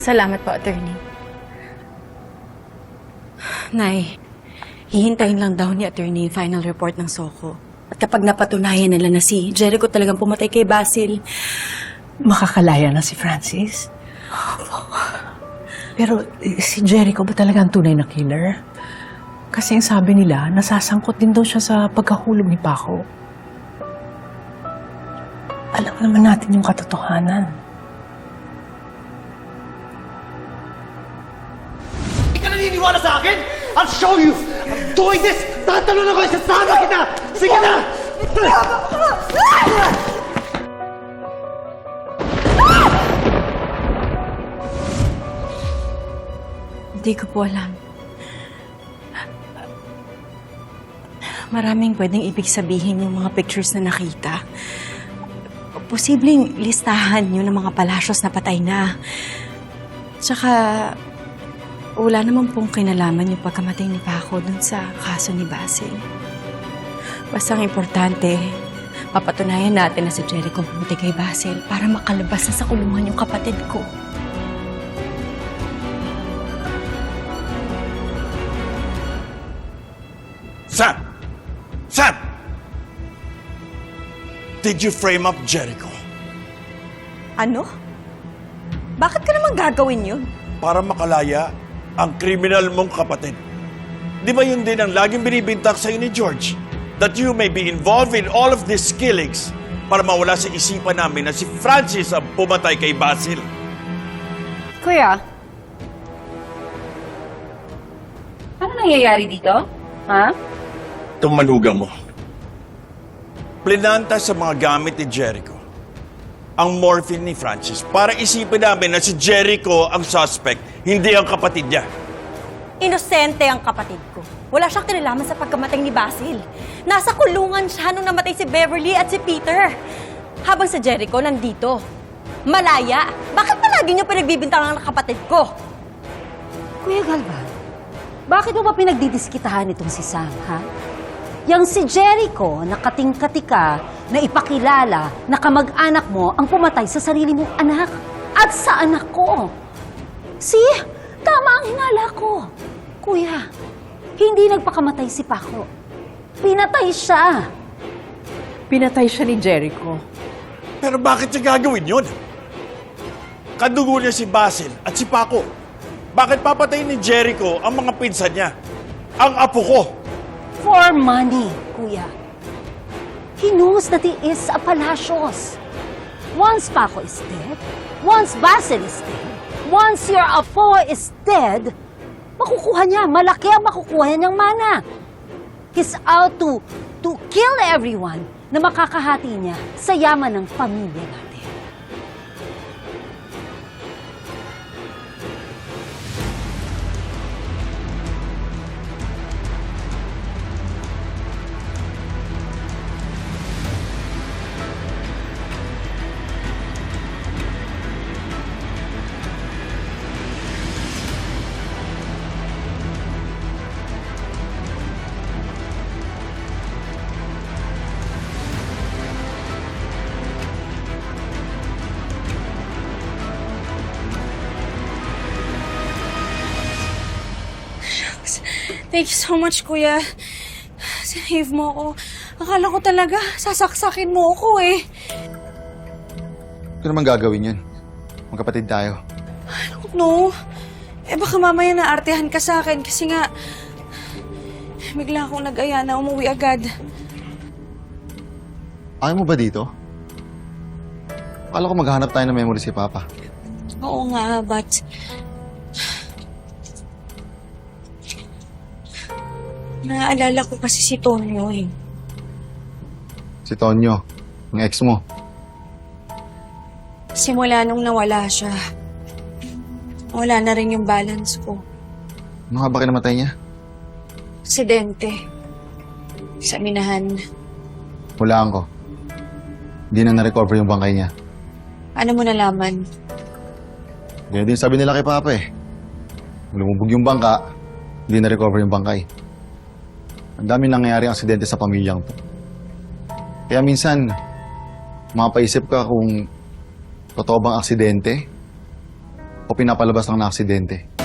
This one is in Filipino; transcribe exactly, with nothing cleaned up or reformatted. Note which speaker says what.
Speaker 1: Salamat po, attorney. Nay, hihintayin lang daw ni attorney yung final report ng Soko. At kapag napatunayan nila na si Jericho talagang pumatay kay Basil,
Speaker 2: Makakalaya na si Francis? Pero eh, si Jericho ba talaga ang tunay na killer? Kasi ang sabi nila, nasasangkot din daw siya sa pagkahulog ni Paco. Alam naman natin yung katotohanan.
Speaker 3: Hindi ka naniniwala sa akin? I'll show you! I'm doing this! Tatalon ako! Isasama kita! Sige na!
Speaker 1: hindi ko po alam. Maraming pwedeng ibig sabihin yung mga pictures na nakita. Posibleng listahan yun ng mga palasyos na patay na. Tsaka, wala naman pong kinalaman yung pagkamatay ni Paco dun sa kaso ni Basil. Basta ang importante, papatunayan natin na si Jericho pumatay kay Basil para makalabas na sa kulungan yung kapatid ko.
Speaker 4: Sam! Sam! Did you frame up Jericho?
Speaker 1: Ano? Bakit ka naman gagawin yun?
Speaker 4: Para makalaya ang kriminal mong kapatid. Di ba yun din ang laging binibintak sa'yo ni George? That you may be involved in all of these killings para mawala sa isipan namin na si Francis ang pumatay kay Basil.
Speaker 5: Kuya, ano nangyayari dito? Ha?
Speaker 4: Itong manugang mo. Plinanta sa mga gamit ni Jericho ang morphine ni Francis para isipin namin na si Jericho ang suspect, hindi ang kapatid niya.
Speaker 6: Inosente ang kapatid ko. Wala siyang kinalaman sa pagkamatay ni Basil. Nasa kulungan siya nung namatay si Beverly at si Peter. Habang si Jericho nandito. Malaya. Bakit palagi niyo pinagbibintangan ang kapatid ko?
Speaker 5: Kuya Galvan, bakit mo ba pinagdidiskitahan itong si Sam, ha? Yang si Jericho, nakatingkatika na ipakilala na kamag-anak mo ang pumatay sa sarili mong anak at sa anak ko. See? Tama ang hinala ko. Kuya, hindi nagpakamatay si Paco. Pinatay siya.
Speaker 2: Pinatay siya ni Jericho.
Speaker 4: Pero bakit niya gagawin yun? Kadugo niya si Basil at si Paco. Bakit papatayin ni Jericho ang mga pinsan niya? Ang apo ko!
Speaker 5: For money, kuya. He knows that he is a Palacios. Once Paco is dead, once Basil is dead, once your apo is dead, makukuha niya, malaki ang makukuha niya niyang mana. He's out to, to kill everyone na makakahati niya sa yaman ng pamilya natin.
Speaker 1: Thank you so much, Kuya. Save mo ako. Akala ko talaga, sasaksakin mo ako eh.
Speaker 7: Ito naman gagawin yun. Magkapatid tayo.
Speaker 1: No. Eh baka mamaya naartehan ka sa akin kasi nga bigla akong nag-aya na umuwi agad.
Speaker 7: Ayaw mo ba dito? Akala ko maghahanap tayo ng memory si Papa.
Speaker 1: Oo nga, but naaalala ko kasi si Tonyo eh.
Speaker 7: Si Tonyo, ang ex mo.
Speaker 1: Simula nung nawala siya, wala na rin yung balance ko.
Speaker 7: Ano nga ba kinamatay niya?
Speaker 1: Aksidente. Sa minahan.
Speaker 7: Hulaan ko. Hindi na na-recover yung bangkay niya.
Speaker 1: Ano mo nalaman?
Speaker 7: Ganyan din sabi nila kay Papa eh. Lumubog yung bangka, hindi na-recover yung bangkay. Ang dami nangyayari ang aksidente sa pamilyang to. Kaya minsan, mapaisip ka kung totoo bang aksidente o pinapalabas lang na aksidente.